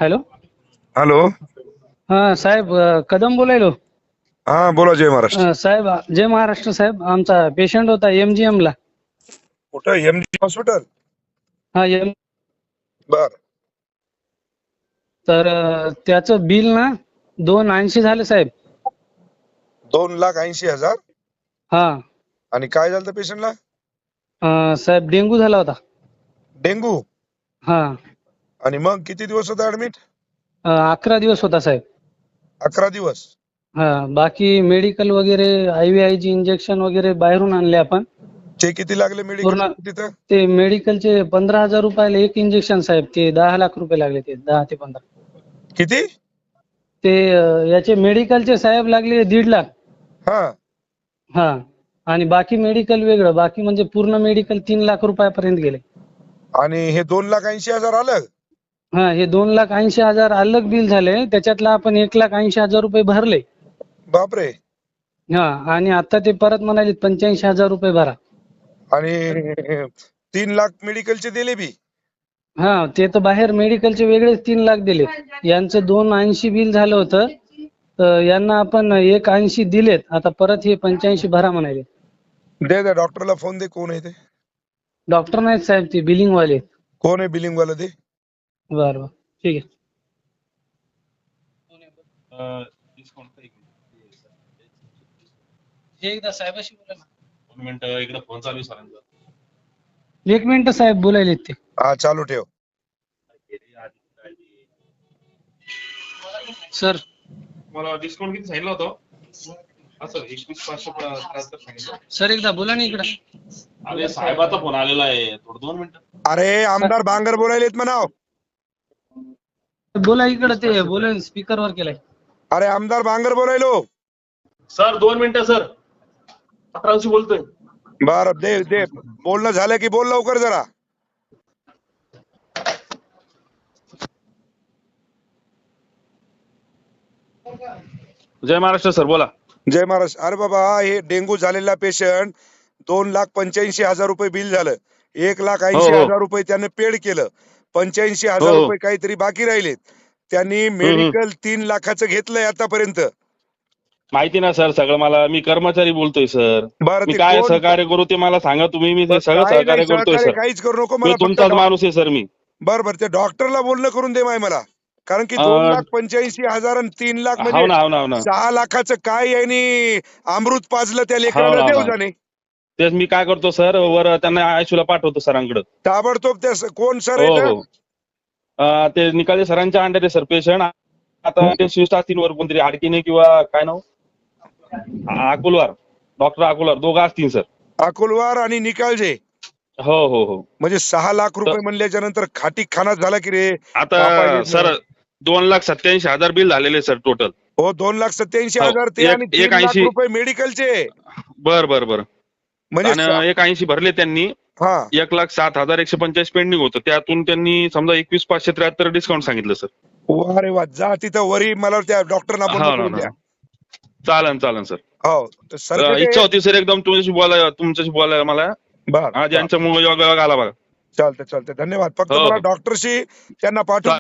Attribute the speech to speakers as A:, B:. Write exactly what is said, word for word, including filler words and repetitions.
A: Hello.
B: Hello.
A: हा साहेब, अ, कदम बोलायलो.
B: हा बोला. जय महाराष्ट्र.
A: अ, साहेब, जय महाराष्ट्र साहेब. आमचा पेशंट होता एमजीएम ला.
B: कुठं? MG hospital.
A: हा एम
B: बर.
A: तर अ, त्याचं बिल ना दोन ऐंशी झालं साहेब.
B: दोन लाख ऐंशी हजार.
A: हा.
B: आणि काय झालं त्या पेशंटला?
A: अ, साहेब डेंगू झाला होता.
B: डेंगू.
A: हा.
B: आणि मग किती दिवस होता ऍडमिट?
A: अ, अकरा दिवस होता साहेब.
B: अकरा दिवस.
A: हा. बाकी मेडिकल वगैरे आयव्हीआयची इंजेक्शन वगैरे बाहेरून आणले आपण.
B: ते किती लागले मेडिकल
A: पूर्ण
B: तिथं?
A: ते मेडिकलचे पंधरा हजार रुपयाला एक इंजेक्शन साहेब. ते दहा लाख रुपये लागले. ते दहा ते पंधरा.
B: किती?
A: ते अ, याचे मेडिकलचे साहेब लागले दीड लाख.
B: हा.
A: हा. आणि बाकी मेडिकल वेगळं. बाकी म्हणजे पूर्ण मेडिकल तीन लाख रुपयापर्यंत गेले.
B: आणि हे दोन लाख ऐंशी हजार आलं?
A: हा. हे दोन लाख ऐंशी हजार अलग बिल झाले. त्याच्यातलं आपण एक लाख ऐंशी हजार रुपये भरले.
B: बापरे.
A: हा. आणि आता ते परत म्हणाले पंच्याऐंशी हजार रुपये भरा.
B: आणि तीन लाख मेडिकलचे दिले बी?
A: हा. ते तर बाहेर मेडिकलचे वेगळेच तीन लाख दिले. यांचं दोन ऐंशी बिल झालं होतं. तर यांना आपण एक ऐंशी दिलेत. आता परत हे पंच्याऐंशी भरा म्हणाले.
B: दे दे डॉक्टरला फोन दे. कोण आहे ते?
A: डॉक्टर नाहीत साहेब, ते बिलिंग वाले.
B: कोण आहे बिलिंग वाला? दे.
A: बरं बरं ठीक आहे. एकदा साहेबाशी बोला ना.
C: दोन मिनिट इकडे फोन चालू आहे सरांचा.
A: एक मिनिट साहेब, बोलायलेत ते.
B: हा चालू ठेव.
A: सर,
C: मला डिस्काउंट किती सांगितलं होतं? असं एकवीस पाचशे त्र्याहत्तर सांगितलं.
A: सर एकदा बोला ना इकडं.
C: अरे साहेबाचा फोन आलेला आहे, थोडं दोन मिनिटं.
B: अरे आमदार बांगर बोलायलेत म्हणाव.
A: बोला इकडं. ते बोला, स्पीकर वर केलाय.
B: अरे आमदार बांगर बोलायलो.
C: सर दोन मिनिटं सर, अकराशे बोलतोय.
B: बर दे दे. बोलणं झालं की बोल लवकर जरा.
C: जय महाराष्ट्र सर, बोला.
B: जय महाराज. अरे बाबा, हे डेंगू झालेला पेशंट दोन लाख पंच्याऐंशी हजार रुपये बिल झालं. एक लाख
C: हो
B: ऐंशी
C: हो
B: हजार रुपये त्याने पेड केलं. पंच्याऐंशी
C: हो
B: हजार
C: हो
B: रुपये काहीतरी बाकी राहिलेत. त्यांनी
C: हम्म, हम्म.
B: मेडिकल तीन लाखाचं घेतलंय आतापर्यंत.
C: माहिती ना सर सगळं मला. मी कर्मचारी बोलतोय सर.
B: बरं
C: मी
B: ते
C: काय
B: कोण?
C: सहकार्य करू ते मला सांगा तुम्ही. मी ते सगळं
B: काही नाही,
C: सहकार्य करतोय
B: सहकार्य
C: सर.
B: काहीच करू नको.
C: मी
B: मला फक्त
C: तुमचाच
B: डॉ-
C: माणूस आहे सर मी.
B: बरं बरं, ते डॉक्टरला बोलणं करून दे माय मला. कारण की दोन
C: अं,
B: लाख पंच्याऐंशी हजार आणि तीन लाख
C: हाव
B: म्हणजे
C: ना हाव ना हाव ना
B: सहा लाखाचं काय यांनी अमृत पाजलं त्या
C: हाव
B: लेकराला,
C: ना हाव
B: देव
C: ना.
B: जाणे.
C: तेच मी काय करतो सर, वर त्यांना आयशूला पाठवतो सरांकडे.
B: ताबडतोब त्या स- कोण सर
C: हो
B: येत?
C: हो. अं, ते निकाले सरांच्या अंडर आहे सर पेशंट. आता ते शिफ्ट असतील वर कोणतरी आडकीने किंवा काय नाव अकोलवार, डॉक्टर अकोलवार दोघं असतील सर.
B: अकोलवार आणि निकालजे.
C: हो हो हो.
B: म्हणजे सहा लाख
C: तर
B: रुपये म्हणल्याच्या नंतर खाटी खाना झाला की रे.
C: आता
B: कापायलेत ना.
C: सर दोन लाख सत्याऐंशी हजार बिल झालेले सर टोटल.
B: हो, दोन लाख सत्याऐंशी
C: हो
B: हजार ते आणि
C: एक एक
B: तीन लाख
C: ऐंशी.
B: रुपये मेडिकलचे.
C: बर बर बर.
B: म्हणजे स-
C: आणि एक ऐंशी भरले त्यांनी.
B: हा.
C: एक लाख सात हजार एकशे पंचाळीस पेंडिंग होतं. त्यातून त्यांनी समजा एकवीस पाचशे त्र्याहत्तर डिस्काउंट सांगितलं सर.
B: वा रे वा. जा तिथं वरी मला त्या डॉक्टरना बोलणं
C: हो ना
B: करून
C: ना.
B: द्या.
C: चालन चालन सर.
B: हो तर
C: अं,
B: सरकटे.
C: इच्छा होती सर एकदम तुमच्याशी बोलायला तुमच्याशी बोलायला मला.
B: बर
C: आज
B: बर.
C: यांच्यामुळे योग योग आला बघा.
B: चालतंय चालतंय. धन्यवाद. फक्त
C: हो
B: मला
C: हो.
B: डॉक्टरशी त्यांना पाठवून